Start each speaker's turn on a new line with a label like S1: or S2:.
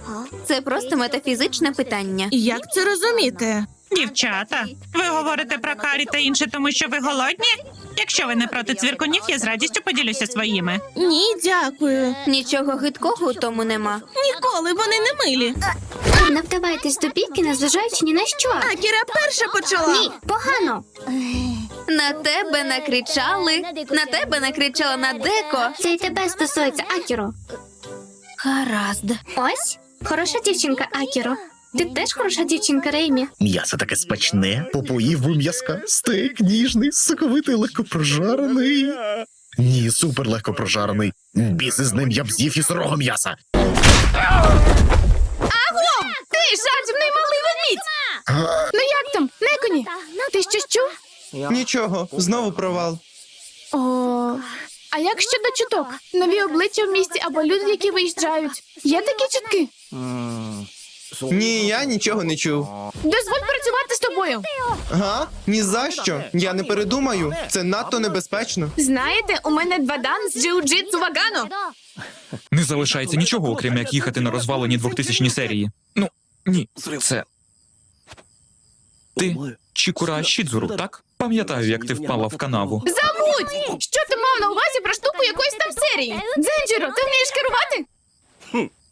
S1: Це просто метафізичне питання.
S2: Як це розуміти?
S3: Дівчата, ви говорите про карі та інше, тому що ви голодні? Якщо ви не проти цвіркунів, я з радістю поділюся своїми.
S2: Ні, дякую.
S1: Нічого гидкого у тому нема.
S2: Ніколи вони не милі.
S4: Не вдавайтесь до бійки, незважаючи ні на що.
S2: Акіра перша почала.
S4: Ні, погано.
S1: На тебе накричали, на тебе накричала на Деко.
S4: Це й тебе стосується, Акіро.
S1: Гаразд.
S4: Ось, хороша дівчинка, Акіро. Ти теж хороша дівчинка, Реймі.
S5: М'ясо таке смачне, попоїв би м'язка. Стейк ніжний, соковитий, легко прожарений. Ні, супер легко прожарений. Біси з ним, я б з'їв і сирого м'яса.
S2: Ти жадібний малий ведмідь! Ну як там, Неконі? Ти щось чув?
S6: Нічого, знову провал.
S2: О, а як щодо чуток? Нові обличчя в місті або люди, які виїжджають. Є такі чутки?
S6: Ні, я нічого не чув.
S2: Дозволь працювати з тобою.
S6: Га? Ні за що. Я не передумаю. Це надто небезпечно.
S2: Знаєте, у мене 2 дан з джиу-джитсу Вагано.
S7: Не залишається нічого, окрім як їхати на розвалені 2000-ні серії. Ну, ні, це... Ти Чікура Шідзуру, так? Пам'ятаю, як ти впала в канаву.
S2: Забудь! Що ти мав на увазі про штуку якоїсь там серії? Дзенджіро, ти вмієш керувати?